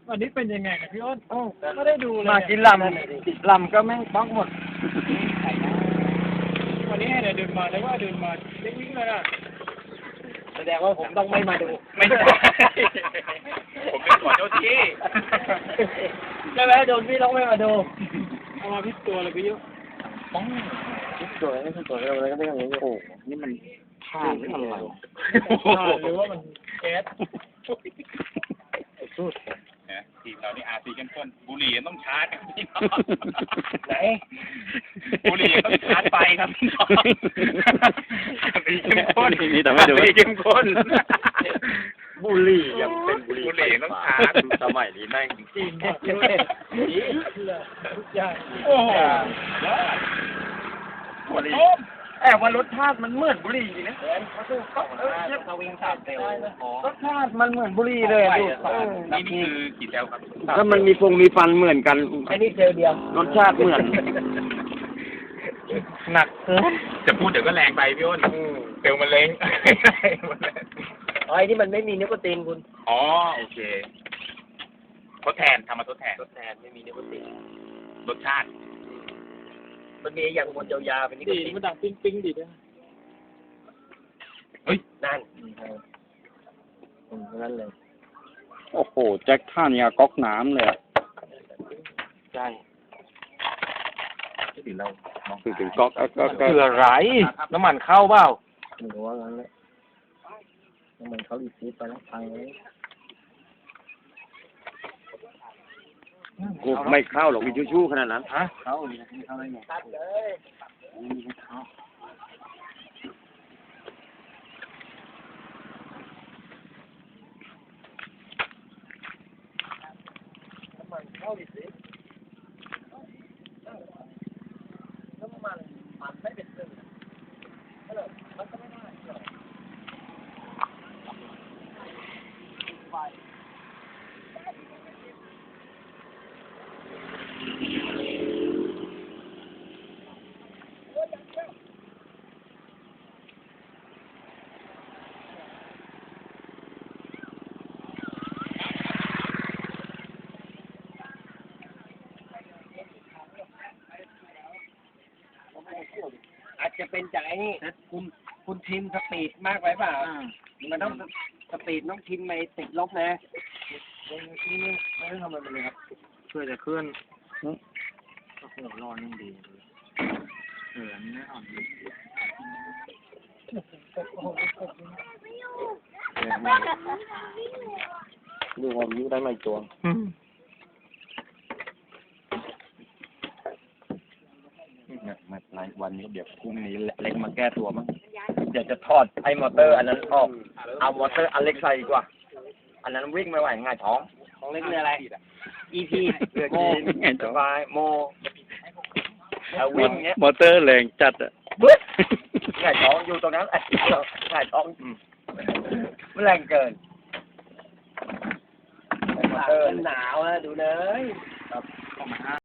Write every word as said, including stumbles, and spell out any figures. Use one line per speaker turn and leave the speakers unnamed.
วันนี้เป็นยังไงกับพี่อ้นโอ้ไม่ได้ดูเลย
มากินลำลำก็แม่งป๊อกหมด
วันนี้ให้เดินมาเลยว่าเดินมาเล็กวิ่งเลยนะ
แสดงว่าผมต้องไม่มาดู
ไม่ใช่ผมเป็นขอเจ้าที่
ใช่ไหมโดนพี่ต้องไม่มาดู
เอามาพิษตัวเลยพี่ยุ
ป้องสวยไม่สวยอะไรก็ไม่อย่างนี้โอ้นี่มันผ้าหรืออะไร
หรือว่ามันแก๊ส
สุด
นะทีมเรานี่อาร์ซีเข้มข้นบุหรี่ต้องชาร์จครับพี่น้อง
ไหน
บุหรี่ต้องชาร์จไปครับพี่น้องอาร์ซีเข้มข้น
นี่แต่ไม่ดู
อาร์ซีเข้มข้น
บุหรี่ยังเป็นบุหรี่
บุหรี่ต้องชาร์จ
สมัยนี้แม่ง
จริงด้วย
ทุกอย่าง
โอ้โห
บุหรี่แอบว่ารสชาติมันเหมือนบุหรี่จริงนะเขาวิ่งสามเซลรสชาติมันเหมือนบุหรี่เลยดู
นี่นี่คือกี่เซลครับ
ถ้ามันมีฟงมีฟันเหมือนกัน
ไอ้นี่เซลเดียว
รสชาติเหมือน
หนักเกิน
จะพูดเดี๋ยวก็แรงไปพี่อ้นเซลมันเล้ง
อ๋อไอ้นี่มันไม่มีนิโคตินคุณ
อ๋อโอเคทดแทนทำมาทดแทน
ทดแทนไม่มีนิโคติน
รสชาติ
มันมีอย่างบนยาวๆเป็นนิโค
ดี
ติน
มันดังปิ้งปิ้งดีด้วย
เฮ้ย
นั่นอืมนั่นเลย
โอ้โห แจ็คท่านี่ก๊อกน้ำเลยอะ
ใช่
ที่เรามอง
คือถึงก๊อกก็ก็ก็
เผื่อไรน้ำมันเข้าเปล่าไม่รู้ว่างั้นเลยน้ำมันเข้าอีกทีไปแล้วพังเลย
กูไม่เข้าหรอกมีชู้ๆขนาดนั้น
ฮะเข้าเลยเข้าได้ไงตัดเลยน้ำมันเข้าอีกทีน้ำมันมันไม่เป็นซึ่งมันก็ไม่ได้หรอกอาจจะเป็นจากไอ้นี่คุณคุณทิมสปีดมากไปเปล่ามันต้องสปีดต้องทิมไปติดลบนะนี่นี่ไม่ต้องทำอะไรเลยครับช่วยแต่เคลื่อนก็คงร้อนยังดีเอออันนี้ไม่อ่อนดีดูความยิ้วได้ไหมตัวในวันนี้เดี๋ยวพรุ่งนี้เล็กมาแก้ตัวมั้งเดี๋ยวจะถอดไอ้มอเตอร์อันนั้นออกเอามอเตอร์อันเล็กใส่ดีกว่าอันนั้นวิ่งไม่ไหวง่ายท้องท้องเล็กคืออะไร อี พี เรือจีนสบายโมเอาวิ่งเงี้ย
มอเตอร์แรงจัดอ่ะ
บึ๊ดง่ายท้องอยู่ตรงนั้นไอ้ง่ายท้องมันแรงเกินมอเตอร์หนาวอะดูเลย